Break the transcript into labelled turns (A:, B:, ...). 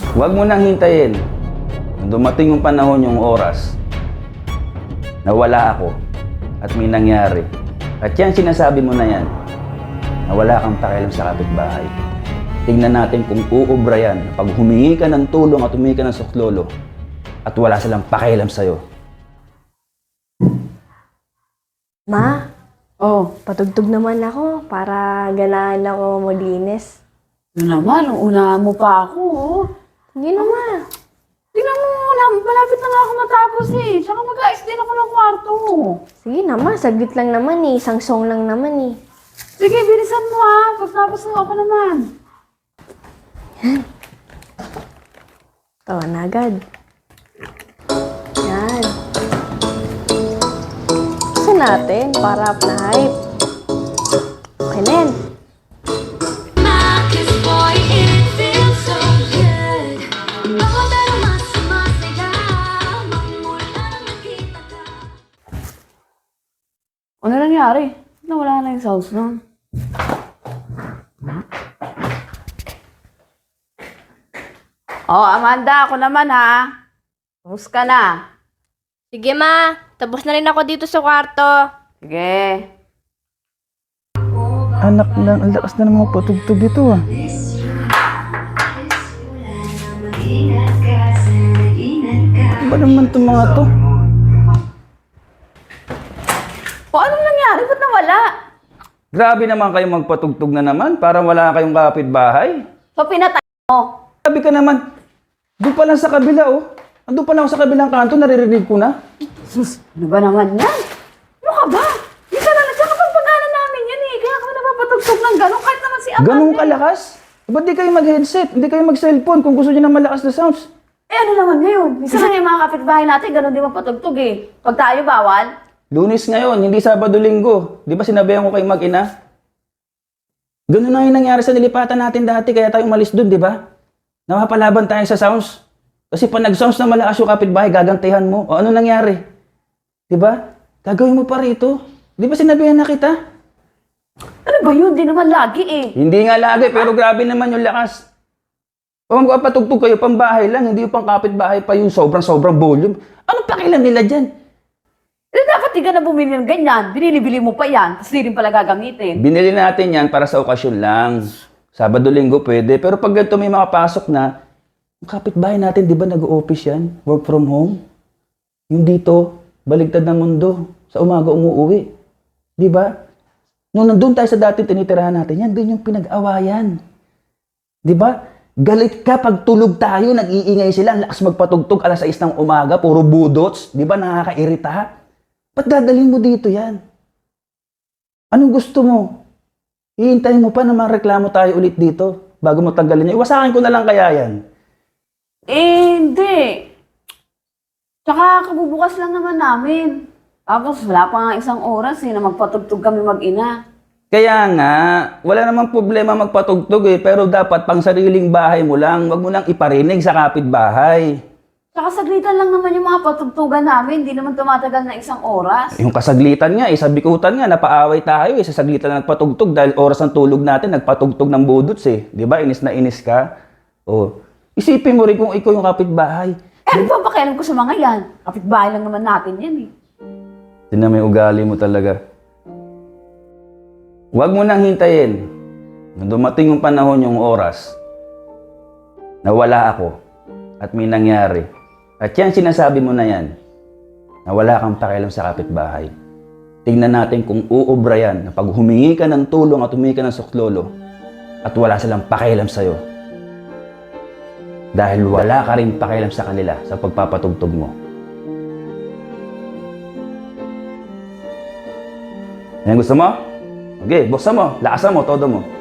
A: Huwag mo nang hintayin. Nung dumating yung panahon, yung oras, nawala ako at may nangyari. At yan, sinasabi mo na yan, na wala kang pakialam sa kapitbahay. Tingnan natin kung uubra yan pag humingi ka ng tulong at humingi ka ng suklolo at wala silang pakialam sa'yo.
B: Ma,
C: Oh,
B: patugtog naman ako para ganahan ako maglinis.
C: yun naman, unahan mo pa ako, oh.
B: Hindi na, Ma.
C: Tingnan mo, malapit na nga ako matapos eh. Tsaka mag-ayos din ako ng kwarto.
B: Sige na, Ma. Saglit lang naman eh. Isang song lang naman eh.
C: Sige, bilisan mo ha. Pagtapos na ako naman.
B: Tawa na agad. Yan. Gusto natin para up na hype. Okay na yan.
C: Ano nangyari? Nawala na yung sounds nun. Oh, Amanda, ako naman ha. Tapos ka na.
D: Sige ma, tapos na rin ako dito sa kwarto.
C: Sige.
A: Anak lang, ang lakas na ng mga patugtog ito ah. Ba naman itong mga to?
C: O, anong nangyari? Ba't nawala?
A: Grabe naman kayong magpatugtog na naman, parang wala kayong kapitbahay.
C: So, pinatay mo.
A: Sabi ka naman, doon pa lang sa kabila oh. Andun pa lang ako sa kabilang kanto, naririnig ko na.
C: Sus, ano ba naman yan? Ano ka ba? Hindi ka na, tsaka pagpagalan namin yan eh. Kaya kami napapatugtog ng gano'n kahit naman si Amanda.
A: Ganun kalakas? Ba't di kayo mag-headset? Hindi kayo mag-cellphone kung gusto niyo ng malakas na sounds?
C: Eh ano naman ngayon? Minsan nga yung mga kapitbahay natin, gano'n din magpatugtog eh. Pag tayo bawal,
A: Lunes ngayon, hindi Sabado-Linggo. Di ba sinabihan ko kayong mag-ina? Ganun na yung nangyari sa nilipatan natin dati, kaya tayo umalis doon, di ba? Napapalaban tayo sa sounds. Kasi pag nag-sounds na malakas yung kapitbahay, gagantihan mo. O ano nangyari? Di ba? Gagawin mo pa rito. Di ba sinabihan na kita?
C: ano ba yun? Di naman lagi eh.
A: Hindi nga lagi, pero grabe naman yung lakas. Kung magpapatugtog kayo, pambahay lang, hindi yung pang kapitbahay pa yung sobrang volume. Anong pakialam nila dyan?
C: Eh dapat di ka na bumili ng ganyan. Binili-bili mo pa yan. Tapos di rin pala gagamitin.
A: Binili natin yan para sa okasyon lang. Sabado-Linggo pwede. Pero pag ganito may makapasok na, yung kapitbahay natin, di ba nag-o-office yan? Work from home? Yung dito, baligtad ng mundo. Sa umaga umuuwi. Di ba? Nung nandun tayo sa dating tinitirahan natin, yan din yung pinag-awayan. Di ba? Galit ka pag tulog tayo, nag-iingay sila, ang lakas magpatugtog, alas 6 ng umaga, puro budots. Di ba? Nakakairita. Ba't dadalhin mo dito yan? Anong gusto mo? Hihintayin mo pa na reklamo tayo ulit dito bago mo tanggalin niya. Iwasakin ko na lang kaya yan.
C: Eh, hindi. Tsaka kabubukas lang naman namin. Tapos wala pa nga isang oras eh na magpatugtog kami mag-ina.
A: Kaya nga, wala namang problema magpatugtog eh, pero dapat pang sariling bahay mo lang, wag mo lang iparinig sa kapitbahay.
C: Tsaka saglitan lang naman yung mga patugtugan namin. Hindi naman tumatagal na isang oras.
A: Yung kasaglitan nga, sa bikutan nga, napaaway tayo sa saglitan na nagpatugtog dahil oras ng tulog natin, nagpatugtog ng budots eh. Di ba? Inis na inis ka. O, isipin mo rin kung ikaw yung kapitbahay.
C: Eh, ano ba pakialam ko sa mga yan? Kapitbahay lang naman natin yan eh.
A: Tingnan mo yung ugali mo talaga. Huwag mo nang hintayin. Nung dumating yung panahon, yung oras, nawala ako at may nangyari. At yan, sinasabi mo na yan, na wala kang pakialam sa kapitbahay. Tingnan natin kung uubra yan na pag humingi ka ng tulong at humingi ka ng suklolo at wala silang pakialam sa'yo. Dahil wala ka rin pakialam sa kanila sa pagpapatugtog mo. Yan gusto mo? Okay, buksan mo, lakasan mo, todo mo.